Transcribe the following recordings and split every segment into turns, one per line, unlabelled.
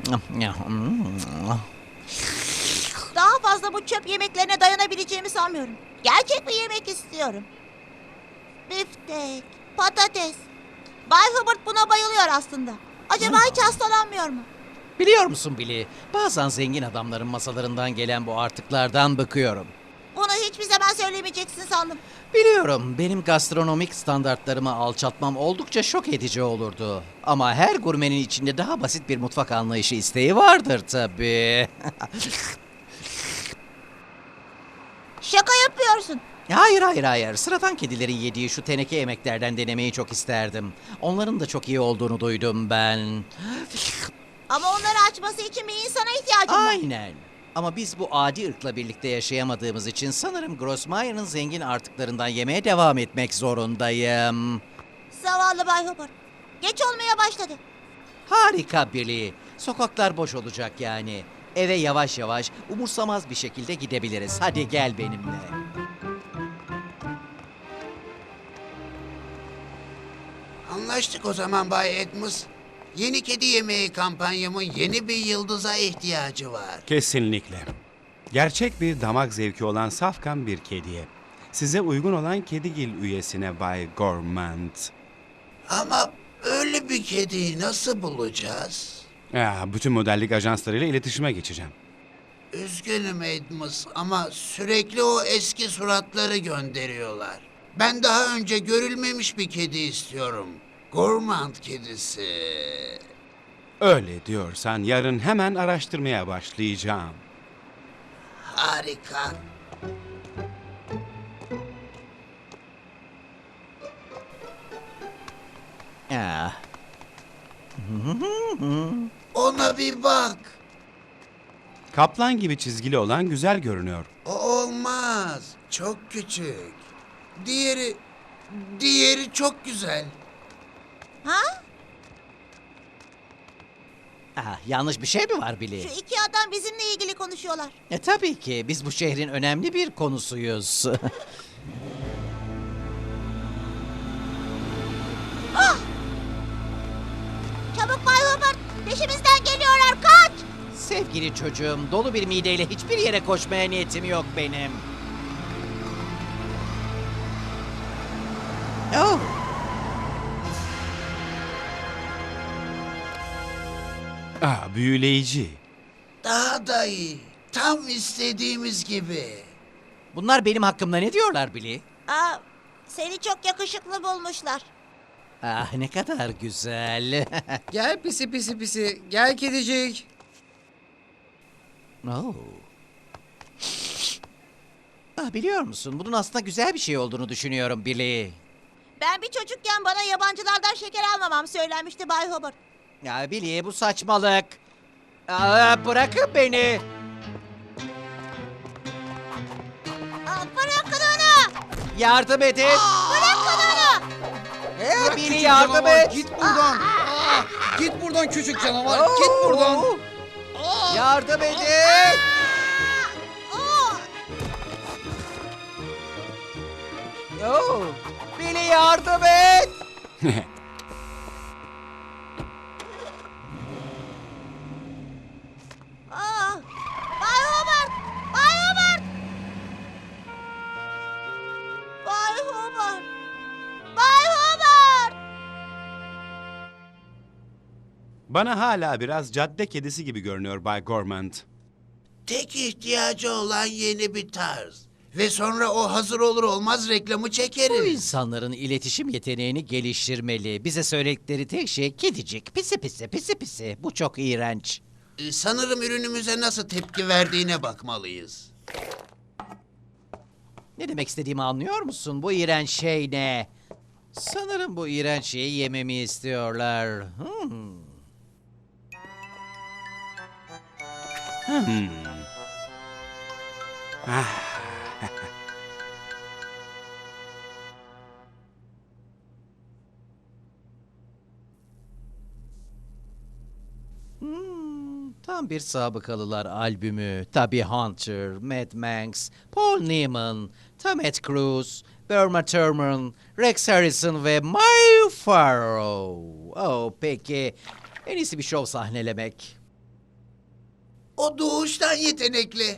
Daha fazla bu çöp yemeklerine dayanabileceğimi sanmıyorum. Gerçek bir yemek istiyorum. Biftek, patates. Bay Hubbard buna bayılıyor aslında. Acaba hiç hastalanmıyor mu?
Biliyor musun Billy? Bazen zengin adamların masalarından gelen bu artıklardan bıkıyorum.
Bunu hiçbir zaman söylemeyeceksin sandım.
Biliyorum, benim gastronomik standartlarımı alçaltmam oldukça şok edici olurdu. Ama her gurmenin içinde daha basit bir mutfak anlayışı isteği vardır tabii.
Şaka yapıyorsun.
Hayır. Sıradan kedilerin yediği şu teneke yemeklerden denemeyi çok isterdim. Onların da çok iyi olduğunu duydum ben.
Ama onları açması için bir insana ihtiyacım var.
Aynen. Ama biz bu adi ırkla birlikte yaşayamadığımız için sanırım Grossmeyer'ın zengin artıklarından yemeye devam etmek zorundayım.
Zavallı Bay Hubbard. Geç olmaya başladı.
Harika Billy. Sokaklar boş olacak yani. Eve yavaş yavaş, umursamaz bir şekilde gidebiliriz. Hadi gel benimle.
Anlaştık o zaman Bay Edmus. Yeni kedi yemeği kampanyamın yeni bir yıldıza ihtiyacı var.
Kesinlikle. Gerçek bir damak zevki olan safkan bir kediye. Size uygun olan kedigil üyesine Bay Gourmand.
Ama öyle bir kediyi nasıl bulacağız?
Bütün modellik ajanslarıyla iletişime geçeceğim.
Üzgünüm Edmus ama sürekli o eski suratları gönderiyorlar. Ben daha önce görülmemiş bir kedi istiyorum. Gourmand kedisi.
Öyle diyorsan yarın hemen araştırmaya başlayacağım.
Harika.
Ah,
Ona bir bak.
Kaplan gibi çizgili olan güzel görünüyor.
O olmaz. Çok küçük. Diğeri çok güzel.
Ha?
yanlış bir şey mi var Billy?
Şu iki adam bizimle ilgili konuşuyorlar.
Tabii ki biz bu şehrin önemli bir konusuyuz.
Çabuk Bay Hubbard. Peşimizden geliyorlar. Kaç!
Sevgili çocuğum, dolu bir mideyle hiçbir yere koşmaya niyetim yok benim. Oh.
Büyüleyici.
Daha da iyi. Tam istediğimiz gibi.
Bunlar benim hakkımda ne diyorlar Billy?
Seni çok yakışıklı bulmuşlar.
Ne kadar güzel.
Gel pisi pisi pisi. Gel kedicik.
Oh. Biliyor musun, bunun aslında güzel bir şey olduğunu düşünüyorum Billy.
Ben bir çocukken bana yabancılardan şeker almamam söylenmişti Bay Hubbard.
Ya Billy, bu saçmalık. Bırakın beni.
Bırakın onu!
Yardım edin.
Bırakın onu!
Bırak
Billy,
küçük
yardım
canavar,
et.
Git buradan. Git buradan küçük canavar. Git buradan.
Yardım edin. Oh. Billy, yardım et.
Bay Hubbard! Bay Hubbard! Bay Hubbard! Bay Hubbard!
Bana hala biraz cadde kedisi gibi görünüyor Bay Gourmand.
Tek ihtiyacı olan yeni bir tarz. Ve sonra o hazır olur olmaz reklamı
Bu
çekeriz.
insanların iletişim yeteneğini geliştirmeli. Bize söyledikleri tek şey kedicik. Pisi pisi pisi pisi. Bu çok iğrenç.
Sanırım ürünümüze nasıl tepki verdiğine bakmalıyız.
Ne demek istediğimi anlıyor musun? Bu iğrenç şey ne? Sanırım bu iğrenç şeyi yememi istiyorlar. Tam bir sabıkalılar albümü. Tabii Hunter, Mad Manx, Paul Newman, Tom Cruise, Burma Thurman, Rex Harrison ve Maya Farrow. Oh peki. En iyisi bir şov sahnelemek.
O doğuştan yetenekli.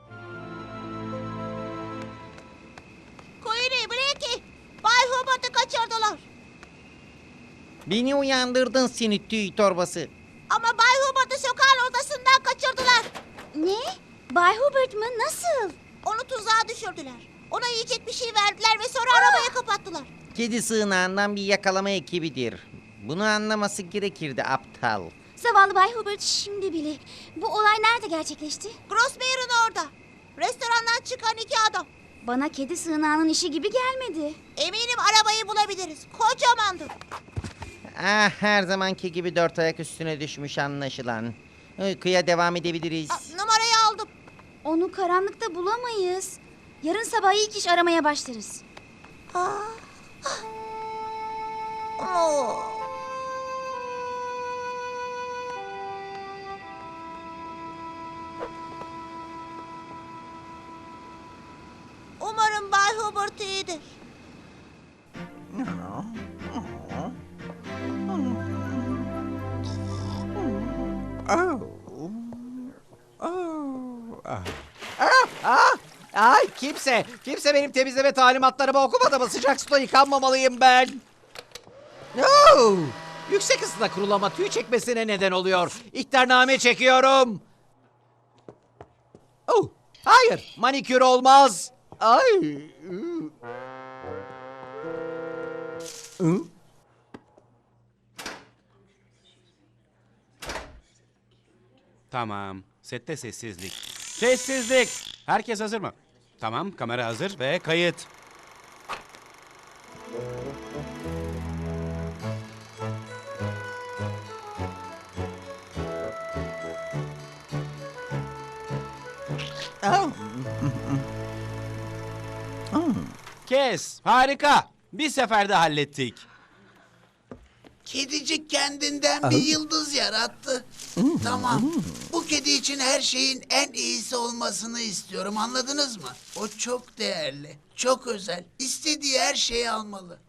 Queenie, Blackie, Bay Hubert'ı kaçırdılar.
Beni uyandırdın seni tüy torbası.
Ama Bay Hubert'ı sokağın ortasından kaçırdılar.
Ne? Bay Hubert mı? Nasıl?
Onu tuzağa düşürdüler. Ona yiyecek bir şey verdiler ve sonra arabaya kapattılar.
Kedi sığınağından bir yakalama ekibidir. Bunu anlaması gerekirdi aptal.
Zavallı Bay Hubert şimdi bile. Bu olay nerede gerçekleşti?
Grossmayer'ın orada. Restorandan çıkan iki adam.
Bana kedi sığınağının işi gibi gelmedi.
Eminim arabayı bulabiliriz. Kocamandı.
Ah, her zamanki gibi dört ayak üstüne düşmüş anlaşılan. Uykuya devam edebiliriz.
Numarayı aldım.
Onu karanlıkta bulamayız. Yarın sabah ilk iş aramaya başlarız.
Oo. Umarım Bay Hubert iyidir.
Ay kimse benim temizleme talimatlarımı okumadı mı? Sıcak suda yıkanmamalıyım ben. Oh! Yüksek ısıda kurulama tüy çekmesine neden oluyor. İhtarname çekiyorum. Oh! Hayır, manikür olmaz. Ay! Hı?
Tamam. Sette sessizlik. Sessizlik. Herkes hazır mı? Tamam, kamera hazır ve kayıt.
Oh!
Kes. Harika. Bir seferde hallettik.
Kedicik kendinden bir yıldız yarattı. Tamam. Bu kedi için her şeyin en iyisi olmasını istiyorum. Anladınız mı? O çok değerli, çok özel. İstediği her şeyi almalı.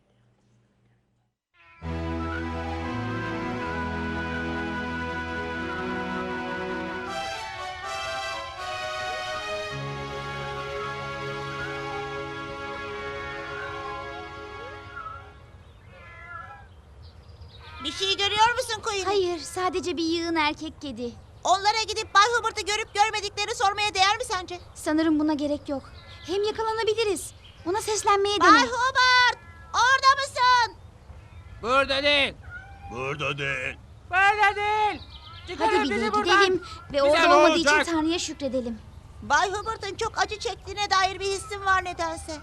Bir şey görüyor musun Queenie?
Hayır, sadece bir yığın erkek kedi.
Onlara gidip Bay Hubert'ı görüp görmediklerini sormaya değer mi sence?
Sanırım buna gerek yok. Hem yakalanabiliriz. Ona seslenmeye
Bay
dene.
Hubert! Orada mısın?
Burada değil.
Burada değil.
Burada değil.
Hadi bir gidelim ve orada olmadığı için Tanrı'ya şükredelim.
Bay Hubert'ın çok acı çektiğine dair bir hissim var nedense.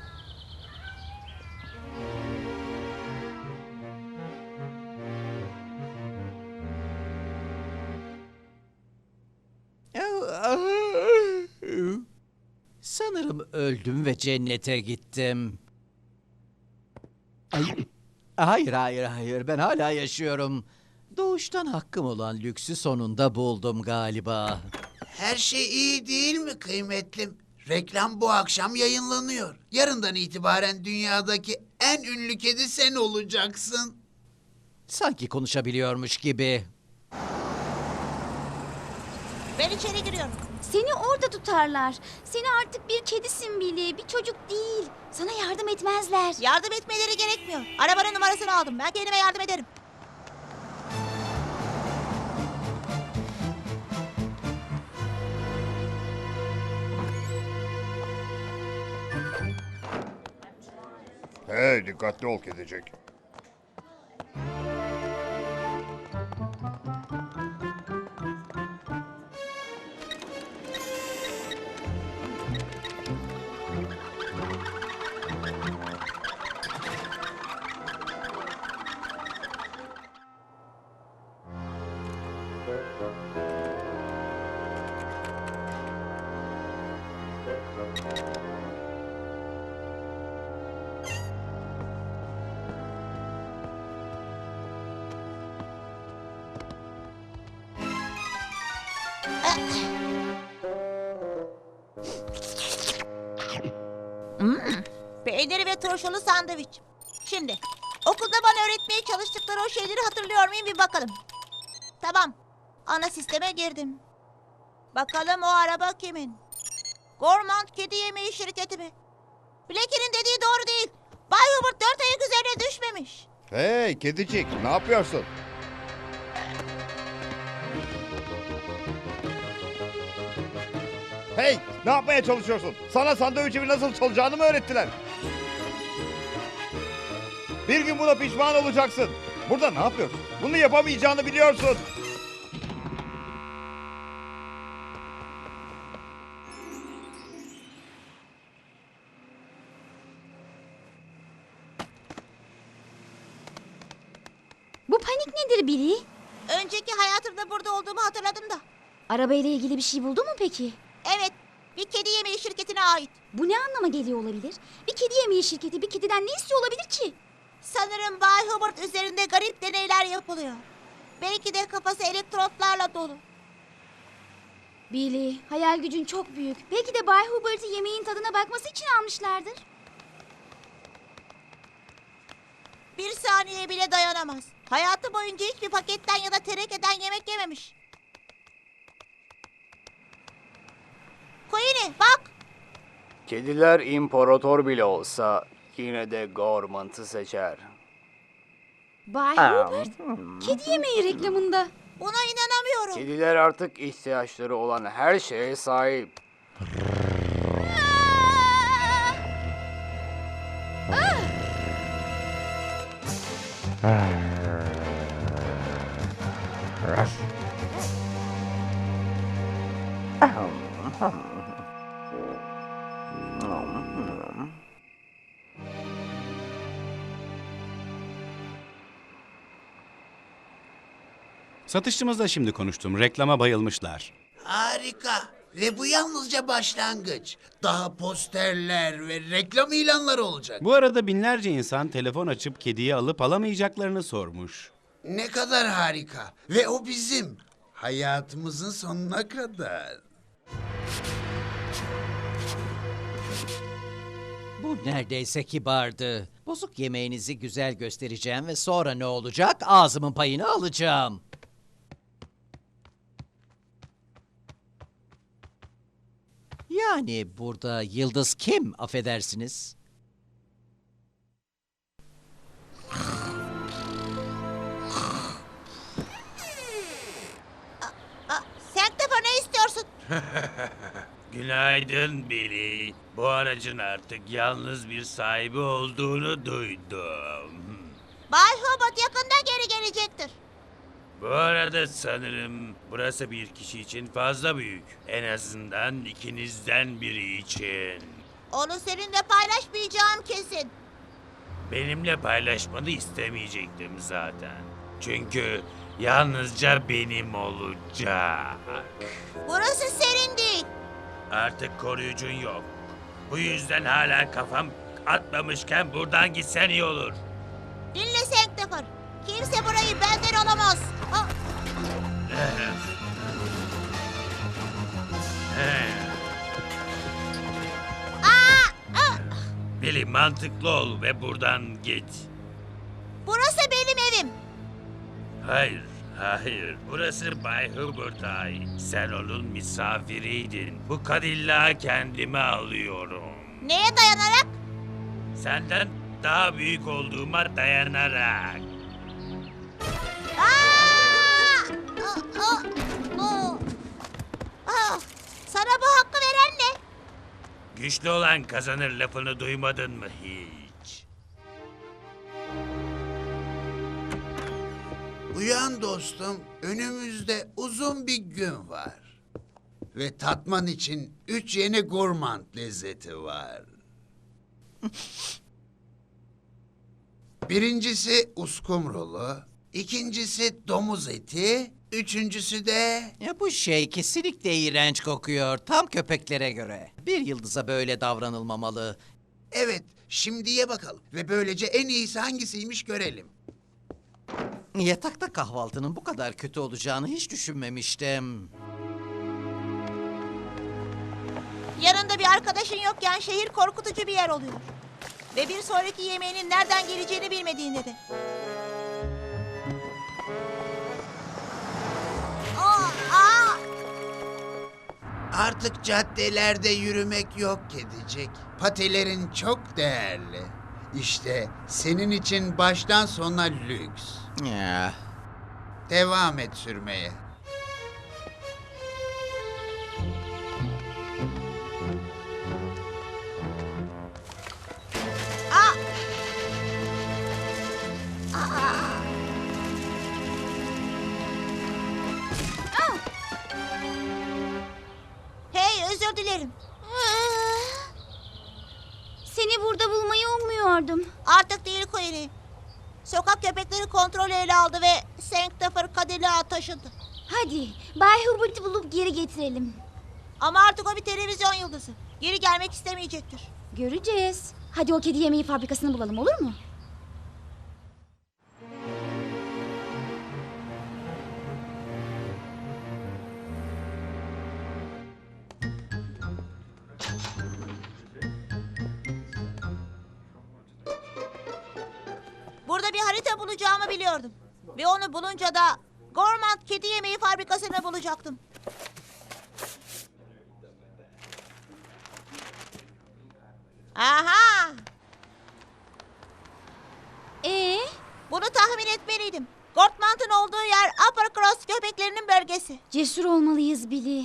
Sanırım öldüm ve cennete gittim. Ay, hayır. Ben hala yaşıyorum. Doğuştan hakkım olan lüksü sonunda buldum galiba.
Her şey iyi değil mi kıymetlim? Reklam bu akşam yayınlanıyor. Yarından itibaren dünyadaki en ünlü kedi sen olacaksın.
Sanki konuşabiliyormuş gibi.
Ben içeri giriyorum.
Seni orada tutarlar. Seni artık bir kedisin bile, bir çocuk değil. Sana yardım etmezler.
Yardım etmeleri gerekmiyor. Arabanın numarasını aldım. Ben kendime yardım ederim.
Hey, dikkatli ol kedicik.
Peyniri ve turşulu sandviç. Şimdi okulda bana öğretmeye çalıştıkları o şeyleri hatırlıyor muyum bir bakalım. Tamam. Ana sisteme girdim. Bakalım o araba kimin? Gormand Kedi Yemeği şirketi mi? Blackie'nin dediği doğru değil. Bay Hubert 4 ayak üzerine düşmemiş.
Hey kedicik, ne yapıyorsun? Hey, ne yapmaya çalışıyorsun? Sana sandviçimi nasıl çalacağını mı öğrettiler? Bir gün buna pişman olacaksın. Burada ne yapıyorsun? Bunu yapamayacağını biliyorsun.
Bu panik nedir Billy?
Önceki hayatımda burada olduğumu hatırladım da.
Arabayla ilgili bir şey buldun mu peki?
Evet, bir kedi yemeği şirketine ait.
Bu ne anlama geliyor olabilir? Bir kedi yemeği şirketi bir kediden ne istiyor olabilir ki?
Sanırım Bay Hubert üzerinde garip deneyler yapılıyor. Belki de kafası elektrotlarla dolu.
Billy, hayal gücün çok büyük. Belki de Bay Hubert'ı yemeğin tadına bakması için almışlardır.
Bir saniye bile dayanamaz. Hayatı boyunca hiçbir paketten ya da tenekeden yemek yememiş. Queenie bak.
Kediler imparator bile olsa yine de Gormant'ı seçer.
Bay Hubert, kedi yemeği reklamında.
Buna inanamıyorum.
Kediler artık ihtiyaçları olan her şeye sahip.
Satışçımızla şimdi konuştum. Reklama bayılmışlar.
Harika. Ve bu yalnızca başlangıç. Daha posterler ve reklam ilanları olacak.
Bu arada binlerce insan telefon açıp kediyi alıp alamayacaklarını sormuş.
Ne kadar harika. Ve o bizim. Hayatımızın sonuna kadar.
Bu neredeyse kibardı. Bozuk yemeğinizi güzel göstereceğim ve sonra ne olacak? Ağzımın payını alacağım. Yani burada yıldız kim, affedersiniz?
Sanctifer ne istiyorsun?
Günaydın Billy. Bu aracın artık yalnız bir sahibi olduğunu duydum.
Bay Hubert yakında geri gelecektir.
Bu arada sanırım burası bir kişi için fazla büyük. En azından ikinizden biri için.
Onu seninle paylaşmayacağım kesin.
Benimle paylaşmanı istemeyecektim zaten. Çünkü yalnızca benim olacak.
Burası senin değil.
Artık koruyucun yok. Bu yüzden hala kafam atmamışken buradan gitsen iyi olur.
Dinle Sanctifer. Kimse burayı benden alamaz. Ha,
Billy mantıklı ol ve buradan git.
burası benim evim.
Hayır, hayır. Burası Bay Hubert'a ait. Sen onun misafiriydin. Bu Cadillac'ı kendime alıyorum.
Neye dayanarak?
Senden daha büyük olduğuma dayanarak.
Aa! Sana bu hakkı veren ne?
Güçlü olan kazanır lafını duymadın mı hiç?
Uyan dostum, önümüzde uzun bir gün var. Ve tatman için 3 yeni gurmand lezzeti var. Birincisi uskumrulu, ikincisi domuz eti, üçüncüsü de...
Ya bu şey kesinlikle iğrenç kokuyor. Tam köpeklere göre. Bir yıldıza böyle davranılmamalı.
Evet, şimdi ye bakalım. Ve böylece en iyisi hangisiymiş görelim.
Yatakta kahvaltının bu kadar kötü olacağını hiç düşünmemiştim.
Yanında bir arkadaşın yokken şehir korkutucu bir yer oluyor. Ve bir sonraki yemeğinin nereden geleceğini bilmediğinde de.
Artık caddelerde yürümek yok kedicik. Patilerin çok değerli. İşte senin için baştan sona lüks.
Ya.
Devam et sürmeye.
Hey, özür dilerim.
Seni burada bulmayı ummuyordum.
Artık değil Queenie. Sokak köpekleri kontrolü ele aldı ve Sanctifer Cadillac'a taşındı.
Hadi Bay Hubert'i bulup geri getirelim.
Ama artık o bir televizyon yıldızı. Geri gelmek istemeyecektir.
Göreceğiz. Hadi o kedi yemeği fabrikasını bulalım, olur mu?
Burada bir harita bulacağımı biliyordum. Ve onu bulunca da Gormand kedi yemeği fabrikasını bulacaktım. Aha!
Ee,
Bunu tahmin etmeliydim. Gormand'ın olduğu yer Upper Cross köpeklerinin bölgesi.
cesur olmalıyız Billy.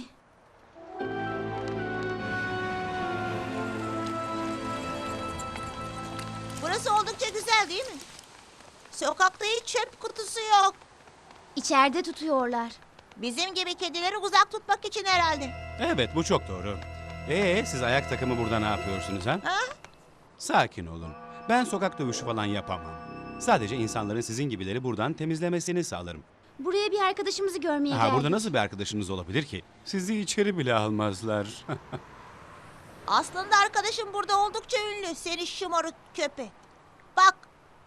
Burası oldukça güzel değil mi? Sokakta hiç çöp kutusu yok.
İçeride tutuyorlar.
Bizim gibi kedileri uzak tutmak için herhalde.
Evet, bu çok doğru. Siz ayak takımı burada ne yapıyorsunuz ha?
Ha?
Sakin olun. Ben sokak dövüşü falan yapamam. Sadece insanların sizin gibileri buradan temizlemesini sağlarım.
Buraya bir arkadaşımızı görmeye geldik.
Burada nasıl bir arkadaşınız olabilir ki? Sizi içeri bile almazlar.
Aslında arkadaşım burada oldukça ünlü. Seni şımarık köpek. Bak.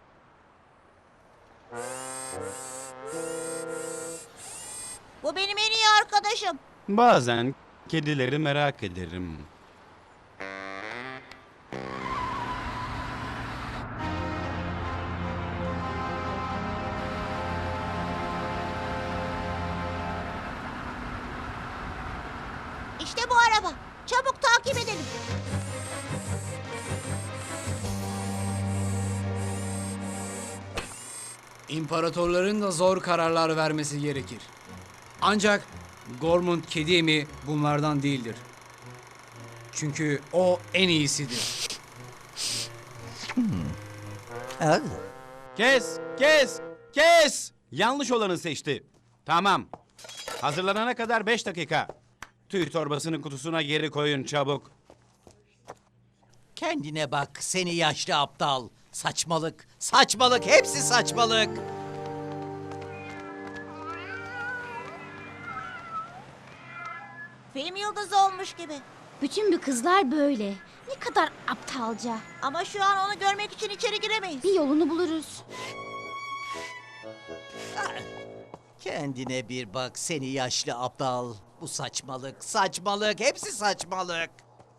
Bu benim en iyi arkadaşım.
Bazen kedileri merak ederim.
İşte bu araba. Çabuk takip edelim.
İmparatorların da zor kararlar vermesi gerekir. Ancak Gormund kedi yemeği bunlardan değildir. Çünkü o en iyisidir.
Kes! Yanlış olanı seçti. Tamam. Hazırlanana kadar 5 dakika. Tüy torbasını kutusuna geri koyun çabuk.
Kendine bak seni yaşlı aptal. Saçmalık, saçmalık, hepsi saçmalık.
Film yıldızı olmuş gibi.
Bütün bu kızlar böyle. Ne kadar aptalca.
Ama şu an onu görmek için içeri giremeyiz.
Bir yolunu buluruz.
Kendine bir bak seni yaşlı aptal. Bu saçmalık, saçmalık, hepsi saçmalık.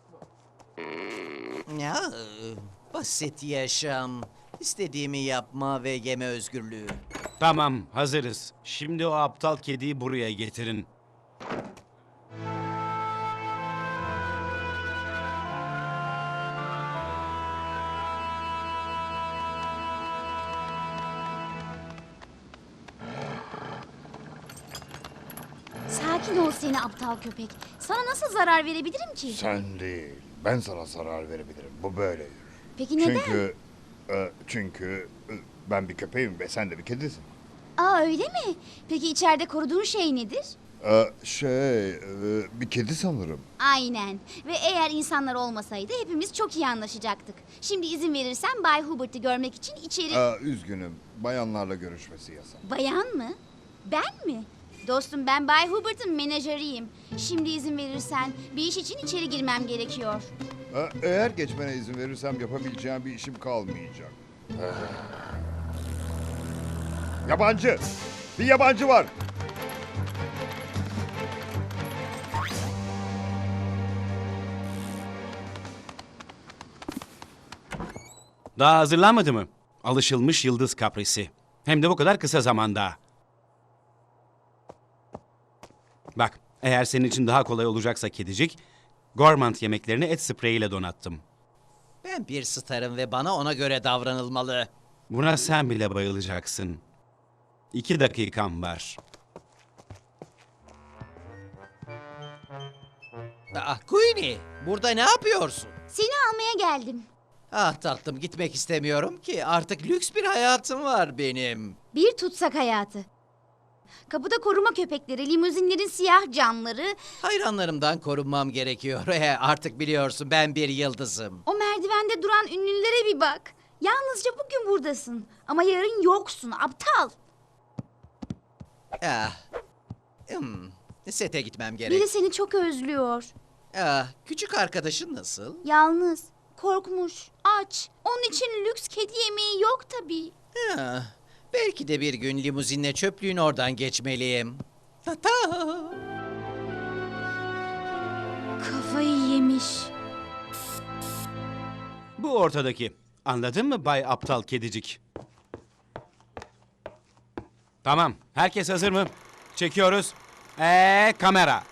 Ya, basit yaşam. İstediğimi yapma ve yeme özgürlüğü.
Tamam, hazırız. Şimdi o aptal kediyi buraya getirin.
Sakin ol seni aptal köpek. Sana nasıl zarar verebilirim ki?
Sen değil. Ben sana zarar verebilirim. Bu böyle yürür.
Peki neden?
Çünkü ben bir köpeğim ve sen de bir kedisin.
Aa öyle mi? Peki içeride koruduğun şey nedir?
Bir kedi sanırım.
Aynen. Ve eğer insanlar olmasaydı hepimiz çok iyi anlaşacaktık. Şimdi izin verirsen Bay Hubert'ı görmek için içeri...
Üzgünüm. Bayanlarla görüşmesi yasak.
Bayan mı? Ben mi? Dostum ben Bay Hubert'ın menajeriyim. Şimdi izin verirsen bir iş için içeri girmem gerekiyor.
Eğer geçmene izin verirsem yapabileceğim bir işim kalmayacak. Yabancı! Bir yabancı var!
Daha hazırlanmadı mı? Alışılmış yıldız kaprisi. Hem de bu kadar kısa zamanda. Bak, Eğer senin için daha kolay olacaksa kedicik, Gormant yemeklerini et spreyiyle donattım.
Ben bir starım ve bana ona göre davranılmalı.
Buna sen bile bayılacaksın. 2 dakikam var.
Queenie, burada ne yapıyorsun?
Seni almaya geldim.
Ah tatlım, gitmek istemiyorum ki. Artık lüks bir hayatım var benim.
Bir tutsak hayatı. Kapıda koruma köpekleri, limuzinlerin siyah camları.
Hayranlarımdan korunmam gerekiyor. Artık biliyorsun, ben bir yıldızım.
O merdivende duran ünlülere bir bak. Yalnızca bugün buradasın. Ama yarın yoksun, aptal.
Ah. Sete gitmem gerek.
Biri seni çok özlüyor.
Küçük arkadaşın nasıl?
Yalnız, korkmuş, aç. Onun için lüks kedi yemeği yok tabii.
Belki de bir gün limuzinle çöplüğün oradan geçmeliyim. Ta ta.
Kafayı yemiş.
Bu ortadaki. Anladın mı Bay Aptal Kedicik? Tamam. Herkes hazır mı? Çekiyoruz. Kamera.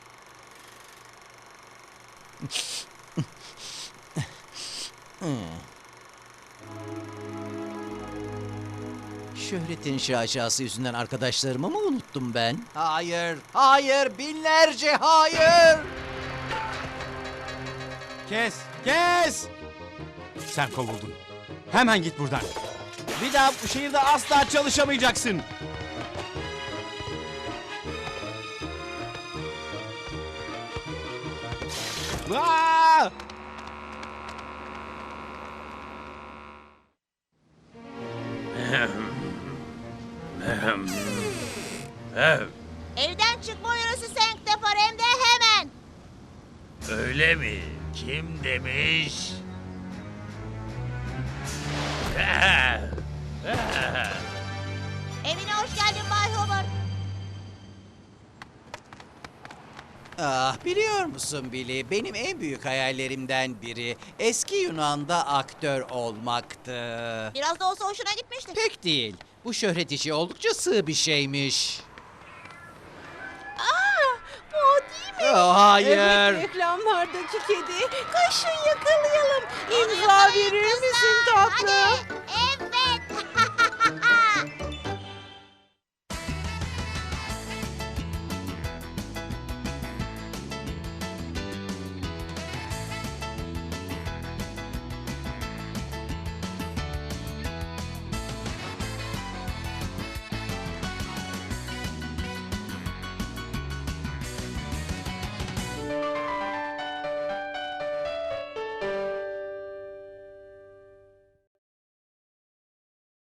Şöhretin şaşası yüzünden arkadaşlarımı mı unuttum ben? Hayır, hayır, binlerce hayır.
Kes! Kes! Sen kovuldun. Hemen git buradan. Bir daha bu şehirde asla çalışamayacaksın. Aa!
Evden çıkma uyarısı Sanctefar hem de hemen.
Öyle mi? Kim demiş?
Evine hoş geldin Bay Hobart.
Biliyor musun Billy, benim en büyük hayallerimden biri eski Yunan'da aktör olmaktı.
Biraz da olsa hoşuna gitmiştir.
Pek değil. Bu şöhret işi oldukça sığ bir şeymiş.
Bu o değil mi?
Hayır.
Reklamlardaki kedi. Koşun yakalayalım. İmza verir misin tatlım? Hadi.